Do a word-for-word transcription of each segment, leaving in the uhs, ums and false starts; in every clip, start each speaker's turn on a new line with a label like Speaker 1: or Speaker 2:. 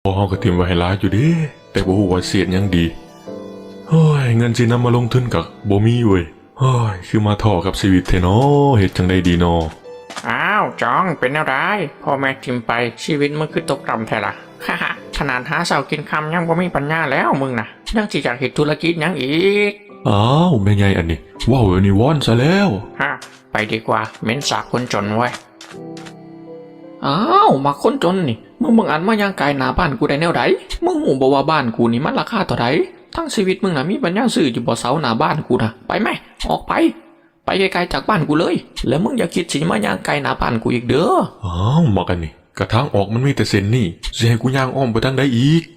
Speaker 1: พอเฮาก็ทิมไว้ให้หลายอยู่เด้แต่บ่ฮู้ว่าเสียดหยังดีเฮ้ยเงินสินำมาลงทุนก็บ่มีเว้ยเฮ้ยคือมาท้อกับชีวิตแท้น้อเฮ็ดจังได๋ดีน้อ
Speaker 2: อ้าวจองเป็นอะไรพ่อแม่ทิมไปชีวิตมึงคือตกต่ำแท้ละฮ่าฮ่าขนาดหาเสากินคำยังบ่มีปัญญาแล้วมึงนะยังสิอยากเฮ็ดธุรกิจยังอีก
Speaker 1: อ้าวแม่ใหญ่อันนี้ว้าวอันนี้วอนซะแล้ว
Speaker 2: ฮะไปดีกว่าเม้นสากคนจนไว้อ้าวมาคนจนนี่มึงมึงอันมายังไกลหน้าบ้านกูได้แนวใดมึงหูบอกว่าบ้านกูนี่มันราคาเท่าใดทั้งชีวิตมึงน่ะมีปัญญาซื้ออยู่บ่เสาหน้าบ้านกูนะไปไหมออกไปไปไกลๆจากบ้านกูเลยแล้วมึงอย่าคิดสิมาย่างไกลหน้าบ้านกูอีกเด้อ
Speaker 1: อ้าวมากันนี่กระทางออกมันมีแต่เส้นนี่สิให้กูย่างอ้อมไปทางใดอีก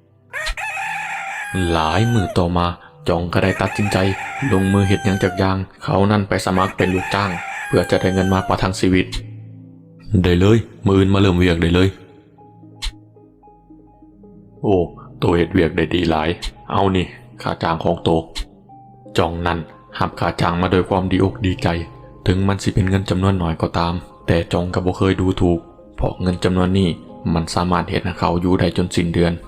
Speaker 1: หลายมือต่อมาจองก็ได้ตัดสินใจลงมือเฮ็ดหยังจักอย่างเขานั่นไปสมัครเป็นลูกจ้างเพื่อจะได้เงินมากกว่าทางชีวิตได้เลยมื้ออื่นมาเริ่มเวียกได้เลยโอ้โตเฮ็ดเวียกได้ดีหลายเอานี่ค่าจ้างของโตจองนั่นหับค่าจ้างมาโดยความดีอกดีใจถึงมันสิเป็นเงินจำนวนน้อยก็ตามแต่จองก็บ่เคยดูถูกเพราะเงินจำนวนนี้มันสามารถเฮ็ดให้เขาอยู่ได้จนสิ้นเดือน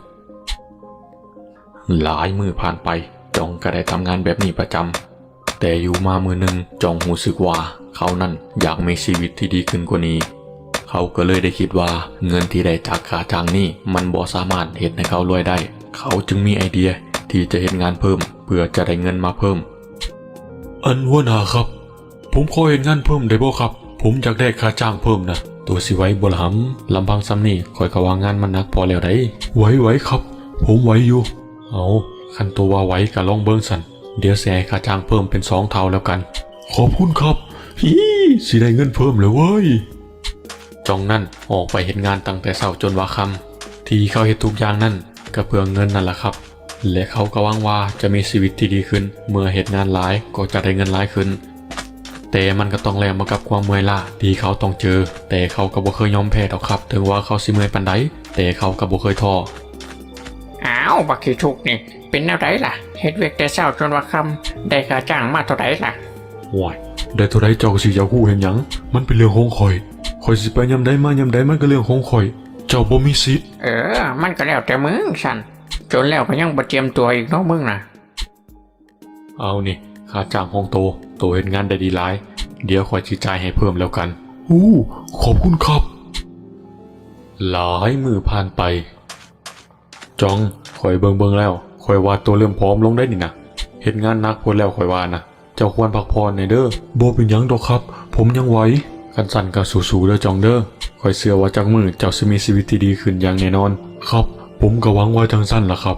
Speaker 1: หลายมือผ่านไปจองก็ได้ทำงานแบบนี้ประจำแต่อยู่มามือหนึ่งจองรู้สึกว่าเขานั่นอยากมีชีวิตที่ดีขึ้นกว่านี้เขาก็เลยได้คิดว่าเงินที่ได้จากค่าจ้างนี้มันบ่สามารถเฮ็ดให้เขารวยได้เขาจึงมีไอเดียที่จะเฮ็ดงานเพิ่มเพื่อจะได้เงินมาเพิ่มอันหัวหน้าครับผมขอเฮ็ดงานเพิ่มได้บ่ครับผมอยากได้ค่าจ้างเพิ่มนะตัวสิไหวบ่ล่ะหำลำพังซ้ำนี่ข่อยก็ว่างานมันหนักพอแล้วได้ไหวๆครับผมไหวอยู่เอาคันตัวว่าไหวก็ลองเบิ่งสั่นเดี๋ยวสิให้ค่าจ้างเพิ่มเป็นสองเท่าแล้วกันขอบคุณครับฮีสิได้เงินเพิ่มแล้วเว้ยจองนั่นออกไปเฮ็ดงานตั้งแต่เช้าจนว่าค่ำที่เขาเฮ็ดทุกอย่างนั่นก็เพื่อเงินนั่นแหละครับและเขาก็หวังว่าจะมีชีวิตที่ดีขึ้นเมื่อเฮ็ดงานหลายก็จะได้เงินหลายขึ้นแต่มันก็ต้องแลกมากับความเมื่อยล้าที่เขาต้องเจอแต่เขาก็บ่เคยยอมแพ้ดอกครับถึงว่าเขาสิเมื่อยปานใดแต่เขาก็บ่เคยท้อ
Speaker 2: อ้าวบักขี้ทุกนี่เป็นแนวใดล่ะเฮ็ดเวียกแต่เช้าจนว่าค่ำได้ค่าจ้างมาเท่าใดล่ะ
Speaker 1: โอ้ยได้เท่าใดเจ้าก็สิอยากฮู้เห็นหยังมันเป็นเรื่องของข่อยข่อยสิไปยามใดมายามใดมันก็เรื่องของข่อยเจ้าบ่มีสิทธิ์
Speaker 2: เออมันก็แล้วแต่มึงสั่นจนแล้วก็ยังบ่เตรียมตัวอีกเนาะมึงน่ะ
Speaker 1: เอานี่ค่าจ้างของโตโตเฮ็ดงานได้ดีหลายเดี๋ยวข่อยสิจ่ายให้เพิ่มแล้วกันอู้ขอบคุณครับหลายมื้อผ่านไปจองข่อยเบิ่งๆแล้วข่อยว่าตัวเริ่มพร้อมลงได้นี่นะเฮ็ดงานหนักพุ่นแล้วข่อยว่านะเจ้าควรพักผ่อนหน่อยเด้อบ่เป็นหยังดอกครับผมยังไหวคันสั่นก็สู้ๆเด้อจองเด้อข่อยเชื่อว่าจักมื้อเจ้าสิมีชีวิตที่ดีขึ้นอย่างแน่นอนครับผมก็หวังว่าจังซั่นล่ะครับ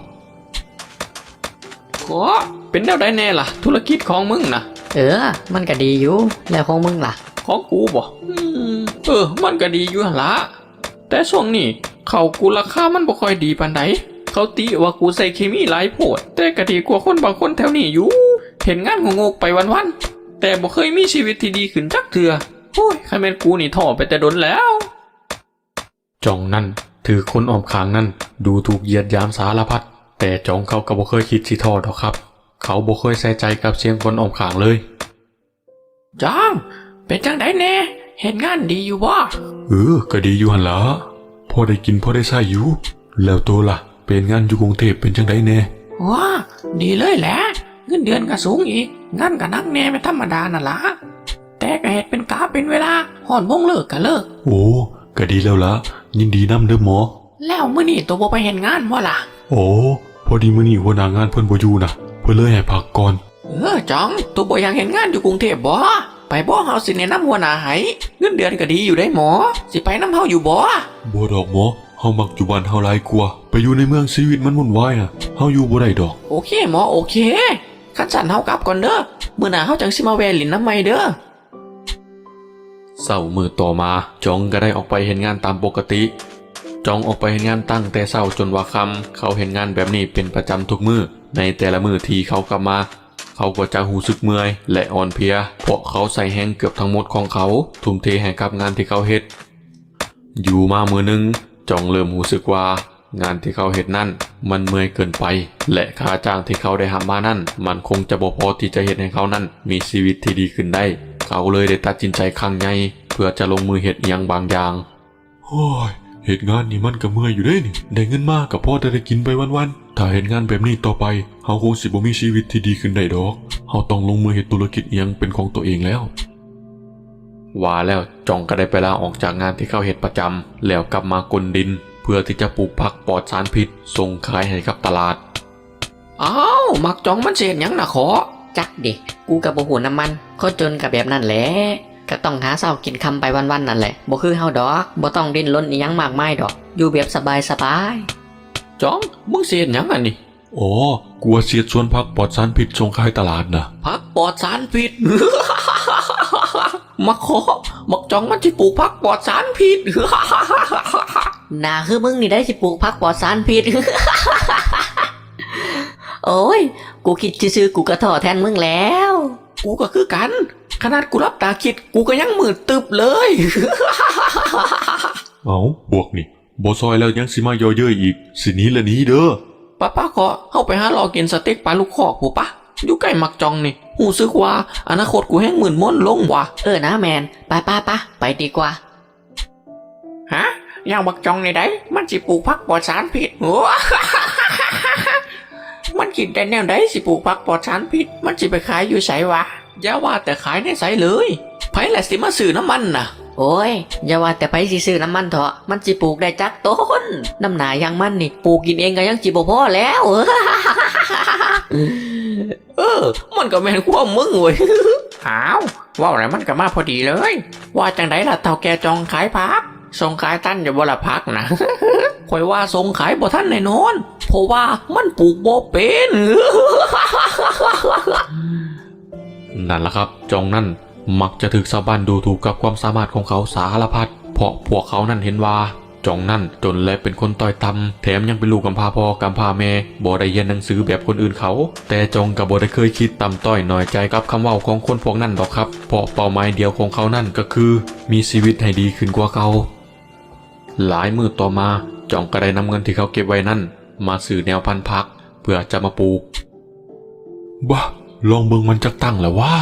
Speaker 2: โอ้เป็นแนวใดแน่ล่ะธุรกิจของมึงน่ะ
Speaker 3: เออมันก็ดีอยู่แล้วของมึงล่ะ
Speaker 2: ของกูบ่อืมเออมันก็ดีอยู่หั่นล่ะแต่ช่วงนี้เขากูราคามันบ่ค่อยดีปานใดเขาติว่ากูใส่เคมีหลายโพดแต่ก็ดีกว่าคนบางคนแถวนี้อยู่เห็นงานงกๆไปวันๆแต่บ่เคยมีชีวิตที่ดีขึ้นจักเทื่อโอ้ยคันแม่นกูนี่ท้อไปแต่ดนแล้ว
Speaker 1: จองนั่นถือคนอ้อมข้างนั่นดูถูกเหยียดหยามสารพัดแต่จองเขาก็บ่เคยคิดสิท้อดอกครับเขาบ่เคยใส่ใจกับเสียงคนอ้อมข้างเลย
Speaker 2: จองเป็นจังไดแน่เฮ็ดงานดีอยู่บ่
Speaker 1: เออก็ดีอยู่หั่นล่ะพอได้กินพอได้ใช้อยู่แล้วโตล่ะเป็นงานอยู่กรุงเทพเป็นจังไดแน่
Speaker 2: ว้าดีเลยแหละเงินเดือนก็สูงอีกงานก็หนักแน่ไม่ธรรมดานั่นล่ะแต่ก็เฮ็ดเป็นกาเป็นเวลาฮ้อนวงเลิกก็เลิก
Speaker 1: โอ้ก็ดีแล้วล่ะยินดีนำเด้อหมอ
Speaker 2: แล้วมื้อนี้ตัวบ่ไปเฮ็ดงานบ่ล่ะ
Speaker 1: โอ้พอดีมื้อนี้หัวหน้างานเพิ่นบ่อยู่นะเพิ่นเลยให้พักก่อน
Speaker 2: เออจังตัวบ่อยากเฮ็ดงานอยู่กรุงเทพบ่ไปบ่เฮาสิแนะนำหัวหน้าให้เงินเดือนก็ดีอยู่ได้หมอสิไปนำเฮาอยู่บ่
Speaker 1: บ่ดอกหมอเฮามักอยู่บ้านเฮาหลายกว่าไปอยู่ในเมืองชีวิตมันวุ่นวายน่ะเฮาอยู่บ่ได้ดอก
Speaker 2: โอเคหมอโอเคคันสั่นเฮากลับก่อนเด้อมื้อหน้าเฮาจังสิมาแวะเล่นน้ำใหม่เด้อ
Speaker 1: เช้ามื้อต่อมาจองก็ได้ออกไปเฮ็ดงานตามปกติจองออกไปเฮ็ดงานตั้งแต่เช้าจนว่าค่ำเขาเฮ็ดงานแบบนี้เป็นประจำทุกมื้อในแต่ละมื้อที่เขากลับมาเขาก็จะรู้สึกเมื่อยและอ่อนเพลียเพราะเขาใส่แรงเกือบทั้งหมดของเขาทุ่มเทให้กับงานที่เขาเฮ็ดอยู่มามื้อนึงจองเริ่มรู้สึกว่างานที่เขาเฮ็ดนั่นมันเมื่อยเกินไปและค่าจ้างที่เขาได้หามานั่นมันคงจะบ่พอที่จะเฮ็ดให้เขานั่นมีชีวิตที่ดีขึ้นได้เขาเลยได้ตัดสินใจครั้งใหญ่เพื่อจะลงมือเฮ็ดอิหยังบางอย่างโอ้ยเหตุงานนี่มันก็เมื่อยอยู่เด้นี่ได้เงินมากกับพ่อจะได้กินไปวันๆถ้าเหตุงานแบบนี้ต่อไปเฮาคงสิบ่มีชีวิตที่ดีขึ้นได้ดอกเฮาต้องลงมือเฮ็ดธุรกิจเอียงเป็นของตัวเองแล้วว่าแล้วจองก็ได้ไปลาออกจากงานที่เขาเฮ็ดประจำแล้วกลับมากลดินเพื่อที่จะปลูกผักปลอดสารพิษส่งขายให้กับตลาด
Speaker 2: อ้าวมักจองมันเสียหยังนะขอ
Speaker 3: จักดิกูกับบ่หูน้ำมันคนจนกับแบบนั้นแหละก็ต้องหาเช้ากินค่ำไปวันๆนั่นแหละบ่คือเฮาดอกบ่ต้องดิ้นรนอีหยังมากมายดอกอยู่แบบสบาย
Speaker 2: จองมึงเสียหยังอันนี้
Speaker 1: อ๋อกลัวเสียดส่วนผักปลอดสารพิษส่งขายตลาดนะ
Speaker 2: พักปลอดสารพิษ มักขอมักจองมันจะปลูกพักปลอดสารพิษ
Speaker 3: ๆน่าคือมึงนี่ได้สิปลูกผักปลอดสารพิษ โอ้ยกูคิดซื่อๆกูก็ท้อแทนมึงแล้ว
Speaker 2: กูก็คือกัน ขนาดกูรับตาคิดกูก็ยังมืดตึบเลย
Speaker 1: เอาพวกนี่บ่ซอยแล้วยังสิมาย่อเย้ยอีกสิหนี้ละหนี้เด้อ
Speaker 2: ป้าป้าขอเข้าไปหารอกินสเต็กปลาลูกคอกผู้ปะอยู่ใกล้มักจองนี่หูซึกว่าอนาคตกูแห้งหมื่นม่อนลงว่ะ
Speaker 3: เออนะแมนไปป้าป้าไปดีกว่า
Speaker 2: ฮะอย่างมักจองในใดมันสิปลูกพักปลอดสารพิษ โอ้ มันกินได้แนวใดสิปลูกพักปลอดสารพิษมันสิไปขายอยู่ไสวะอย่าว่าแต่ขายในไสเลยไผแหละสิมาซื้อน้ำมันน่ะ
Speaker 3: โอ้ยอย่าว่าแต่ไปสิซื้อน้ำมันเถอะมันสิปลูกได้จักต้นน้ำหนาอย่างมันนี่ปลูกกินเองก็ยังจิบ่พอแล้ว
Speaker 2: เออ มันก็แม่นความมึงเว้ย อ้าวว่าอะไรมันก็มาพอดีเลย ว่าจังไดล่ะเท่าแกจองขายพักส่งขายท่านอย่าบ่ละพักนะ ข่อยว่าส่งขายบ่ท่านแน่นอนเพราะว่ามันปลูกบ่เป็น
Speaker 1: นั่นล่ะครับจองนั่นมักจะถึกชาวบ้านดูถูกกับความสามารถของเขาสารพัดเพราะพวกเขานั่นเห็นว่าจองนั่นจนและเป็นคนต้อยต่ำแถมยังเป็นลูกกำพร้าพ่อกำพร้าแม่บ่ได้เรียนหนังสือแบบคนอื่นเขา แต่จองกับบ่ได้เคยคิดต่ำต้อยน้อยใจกับคำเว้าของคนพวกนั้นดอกครับเพราะเป้าหมายเดียวของเขานั่นก็คือมีชีวิตให้ดีขึ้นกว่าเขาหลายมื้อต่อมาจองก็ได้นำเงินที่เขาเก็บไว้นั่นมาซื้อแนวพันธุ์ผักเพื่อจะมาปลูกบ้าลองเบิ่งมันจักตั้งแล้วว่า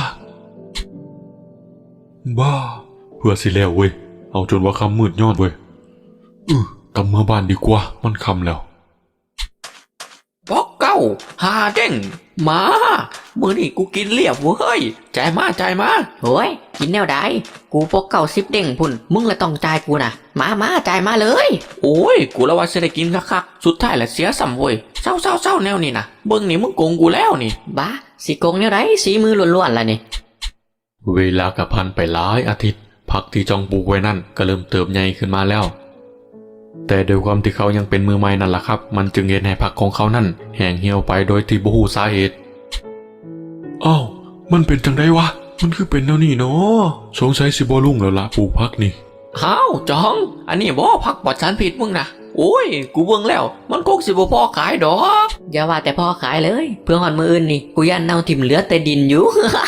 Speaker 1: บ้าเพื่อสิแล้วเว้ยเอาจนว่าคำมืดยอดเว้ยอือกลับมาบ้านดีกว่ามันคำแล้ว
Speaker 2: ปอกเก้าหาเด้งมามื้อนี้กูกินเรียบเว้ยจ่ายมาจ่ายมา
Speaker 3: โอ้ยกินแนวใดกูพกเก่าสิบเด้งพุ่นมึงละต้องจ่ายกูนะมามาจ่ายมาเลย
Speaker 2: โอ้ยกูละว่าสิได้กินคักๆสุดท้ายแหละเสียสัมเว้ยเศร้าเศร้าเศร้าแนวนี่นะเบิ่งนี่มึงโกงกูแล้วนี่
Speaker 3: บ้าสิโกงแนวใดสีมือล้วนๆล่ะนี่
Speaker 1: เวลากระพันไปหลายอาทิตย์ผักที่จองปลูกไว้นั่นก็เริ่มเติบใหญ่ขึ้นมาแล้วแต่โดยความที่เขายังเป็นมือใหม่นั่นแหละครับมันจึงเห็นให้ผักของเขานั่นแห้งเหี่ยวไปโดยที่บ่ฮู้สาเหตุอ้าวมันเป็นจังไดวะมันคือเป็นแนวนี้เนาะสงสัยสิบ่รุ่งแล้วล่ะปลูกผักนี่
Speaker 2: อ้าวจอง อันนี้บ่พักปลอดสารพิษมึงนะโอ้ยกูเบิ่งแล้วมันคงสิบ่พอขายดอก
Speaker 3: อย่าว่าแต่พ่อขายเลย เพื่อหอนมืออื่นนี่กูยันเน่าทิ่มเหลือแต่ดินอยู่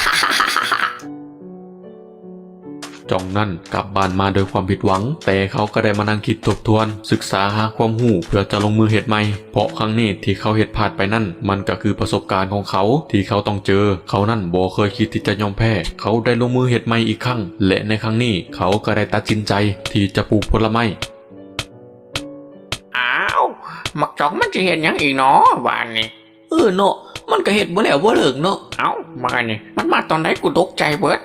Speaker 1: จองนั่นกลับบ้านมาโดยความผิดหวังแต่เขาก็ได้มานั่งคิดทบทวนศึกษาหาความรู้เพื่อจะลงมือเฮ็ดใหม่เพราะครั้งนี้ที่เขาเฮ็ดพลาดไปนั่นมันก็คือประสบการณ์ของเขาที่เขาต้องเจอเขานั่นบ่เคยคิดที่จะยอมแพ้เขาได้ลงมือเฮ็ดใหม่อีกครั้งและในครั้งนี้เขาก็ได้ตัดสินใจที่จะปลูกผลไม้
Speaker 2: อ้าวมักจองมันจะเห็นหยังอีกเนาะบ้านนี่เออเนาะมันก็เห็ดบ่แล้วบ่เลิกเนาะเอ้ามานี่มันมาตอนไหนกูตกใจเบิด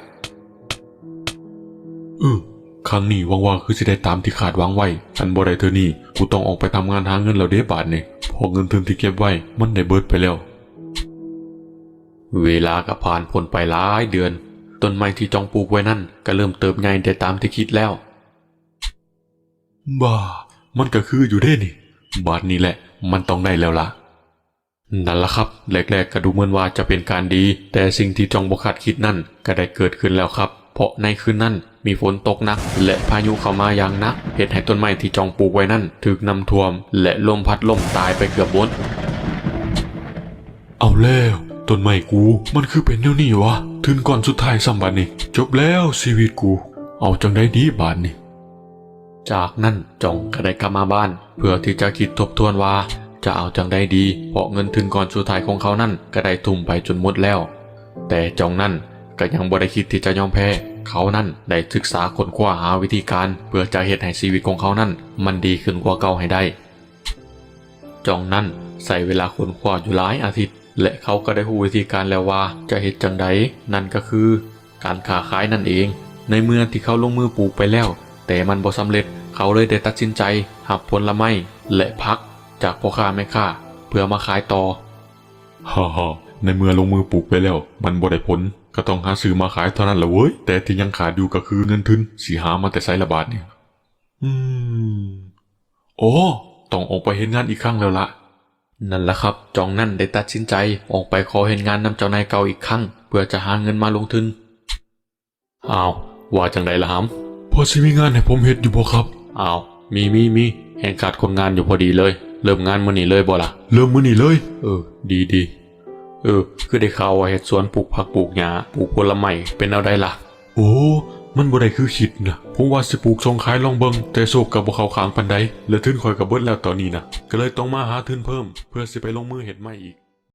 Speaker 1: เออครั้งนี้ว่างๆคือสิได้ตามที่คาดหวังไว้อันบ่ได้เธอนี่กูต้องออกไปทำงานหาเงินแล้วเด้บาทนี่พอเงินทุนที่เก็บไว้มันได้เบิดไปแล้ว เวลาก็ผ่านพ้นไปหลายเดือนต้นไม้ที่จองปลูกไว้นั่นก็เริ่มเติบใหญ่ได้ตามที่คิดแล้วบ้ามันก็คืออยู่เด้นี่บาทนี้แหละมันต้องได้แล้วล่ะนั่นล่ะครับแรกๆก็ดูเหมือนว่าจะเป็นการดีแต่สิ่งที่จองบ่คาดคิดนั่นก็ได้เกิดขึ้นแล้วครับเพราะในคืนนั้นมีฝนตกหนักและพายุเข้ามาอย่างหนักเหตุให้ต้นไม้ที่จองปลูกไว้นั่นถูกน้ำท่วมและลมพัดล่มตายไปเกือบหมดเอาแล้วต้นไม้กูมันคือเป็นแนวนี้วะถึงก่อนสุดท้ายซ้ำบัดนี้จบแล้วชีวิตกูเอาจังได้ดีบาดนี้จากนั้นจองก็ได้กลับมาบ้านเพื่อที่จะคิดทบทวนว่าจะเอาจังได้ดีเพราะเงินถึงก่อนสุดท้ายของเขานั่นก็ได้ทุ่มไปจนหมดแล้วแต่จองนั่นก็ยังบ่ได้คิดที่จะยอมแพ้เขานั่นได้ศึกษาค้นคว้าหาวิธีการเพื่อจะเฮ็ดให้ชีวิตของเขานั่นมันดีขึ้นกว่าเก่าให้ได้จองนั่นใส่เวลาค้นคว้าอยู่หลายอาทิตย์และเขาก็ได้รู้วิธีการแล้วว่าจะเฮ็ดจังใดนั่นก็คือการค้าขายนั่นเองในเมื่อที่เขาลงมือปลูกไปแล้วแต่มันบ่สำเร็จเขาเลยได้ตัดสินใจหับผลไม้และผักจากพ่อค้าแม่ค้าเพื่อมาขายต่อฮ่าฮ่าในเมื่อลงมือปลูกไปแล้วมันบ่ได้ผลก็ต้องหาซื้อมาขายเท่านั้นแหละเว้ยแต่ที่ยังขาดอยู่ก็คือเงินทุนสิหามาแต่ไสละบาทเนี่ยอืมโอ้ต้องออกไปเฮ็ดงานอีกครั้งแล้วล่ะนั่นแหละครับจองนั่นได้ตัดสินใจออกไปขอเห็นงานนำเจ้านายเก่าอีกครั้งเพื่อจะหาเงินมาลงทุนอ้าวว่าจังไดล่ะฮัมพอสิมีงานให้ผมเฮ็ดอยู่บ่ครับอ้าวมีมีมีแห่งขาดคนงานอยู่พอดีเลยเริ่มงานมื้อนี้เลยบ่ล่ะเริ่มมื้อนี้เลยเออดีดีเออคือได้ข่าวว่าเฮ็ดสวนปลูกผักปลูกหญ้าปลูกผลไม้เป็นเอาได้ล่ะโอ้มันบ่ได้คือคิดนะผมว่าสิปลูกส่งขายลองเบิ่งแต่โชคก็บ่เข้าข้างปานใดแล้วทุนข่อยก็เบิดแล้วตอนนี้นะก็เลยต้องมาหาทุนเพิ่มเพื่อสิไปลงมือเฮ็ดใหม่อีก